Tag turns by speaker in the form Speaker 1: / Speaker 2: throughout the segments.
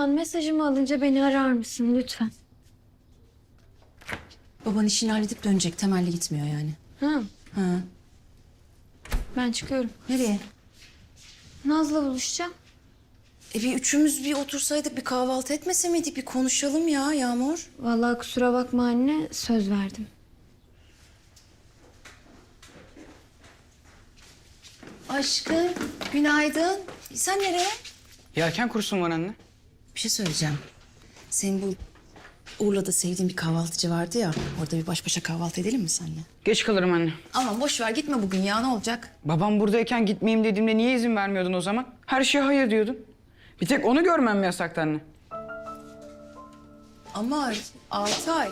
Speaker 1: Orhan, mesajımı alınca beni arar mısın lütfen?
Speaker 2: Baban işini halledip dönecek. Temelli gitmiyor yani.
Speaker 1: Ha,
Speaker 2: Ha.
Speaker 1: ben çıkıyorum.
Speaker 2: Nereye?
Speaker 1: Naz'la buluşacağım.
Speaker 2: Bir üçümüz bir otursaydık, bir kahvaltı etmese miydik? Bir konuşalım ya Yağmur.
Speaker 1: Vallahi kusura bakma anne, söz verdim.
Speaker 2: Aşkım, günaydın. Sen nereye?
Speaker 3: Yelken kursum var anne.
Speaker 2: Bir şey söyleyeceğim. Senin bu Urla'da sevdiğin bir kahvaltıcı vardı ya. Orada bir baş başa kahvaltı edelim mi seninle?
Speaker 3: Geç kalırım anne.
Speaker 2: Aman boş ver, gitme bugün ya, ne olacak?
Speaker 3: Babam buradayken gitmeyeyim dediğimde niye izin vermiyordun o zaman? Her şeye hayır diyordun. Bir tek onu görmem mi yasaktı anne?
Speaker 2: Ama Altay.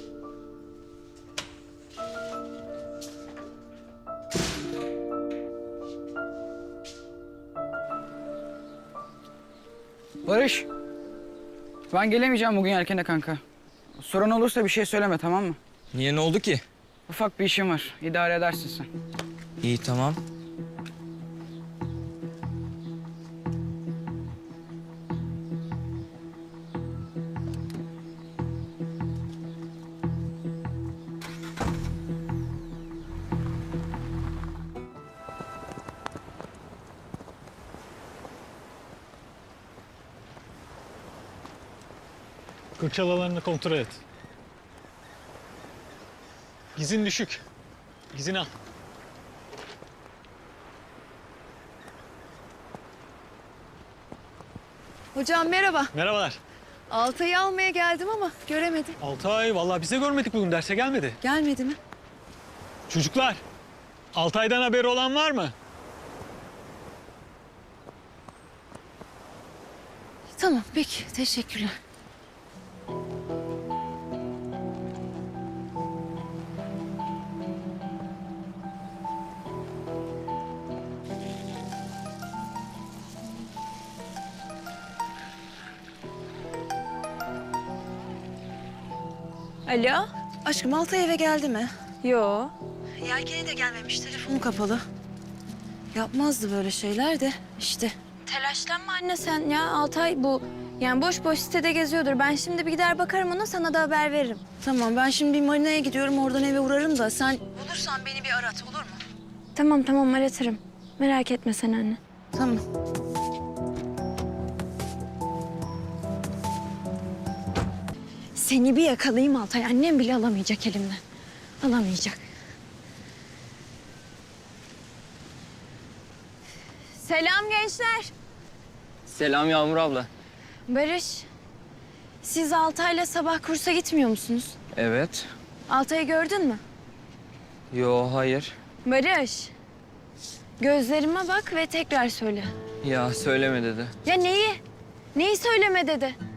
Speaker 3: Barış. Ben gelemeyeceğim bugün yelkene kanka. Sorun olursa bir şey söyleme, tamam mı?
Speaker 4: Niye, ne oldu ki?
Speaker 3: Ufak bir işim var. İdare edersin sen.
Speaker 4: İyi, tamam.
Speaker 5: Kırçal alanını kontrol et. Gizin düşük. Gizini al.
Speaker 6: Hocam merhaba.
Speaker 5: Merhabalar.
Speaker 6: Altay'ı almaya geldim ama göremedim.
Speaker 5: Altay, vallahi bize görmedik bugün, derse gelmedi.
Speaker 6: Gelmedi mi?
Speaker 5: Çocuklar, Altay'dan haberi olan var mı?
Speaker 6: Tamam peki teşekkürler.
Speaker 1: Alo?
Speaker 2: Aşkım Altay eve geldi mi?
Speaker 1: Yo.
Speaker 2: Yelkeni de gelmemiş, telefonu kapalı. Yapmazdı böyle şeyler de işte.
Speaker 1: Telaşlanma anne sen ya. Altay bu. Yani boş boş sitede geziyordur. Ben şimdi bir gider bakarım ona, sana da haber veririm.
Speaker 2: Tamam, ben şimdi bir marinaya gidiyorum, oradan eve uğrarım da sen bulursan beni bir arat, olur mu?
Speaker 1: Tamam tamam, aratırım. Merak etme sen anne.
Speaker 2: Tamam.
Speaker 1: Seni bir yakalayayım Altay. Annem bile alamayacak elimden. Alamayacak. Selam gençler.
Speaker 4: Selam Yağmur abla.
Speaker 1: Barış, siz Altay'la sabah kursa gitmiyor musunuz?
Speaker 4: Evet.
Speaker 1: Altay'ı gördün mü?
Speaker 4: Yo, hayır.
Speaker 1: Barış, gözlerime bak ve tekrar söyle.
Speaker 4: Ya söyleme dedi.
Speaker 1: Ya neyi? Neyi söyleme dedi?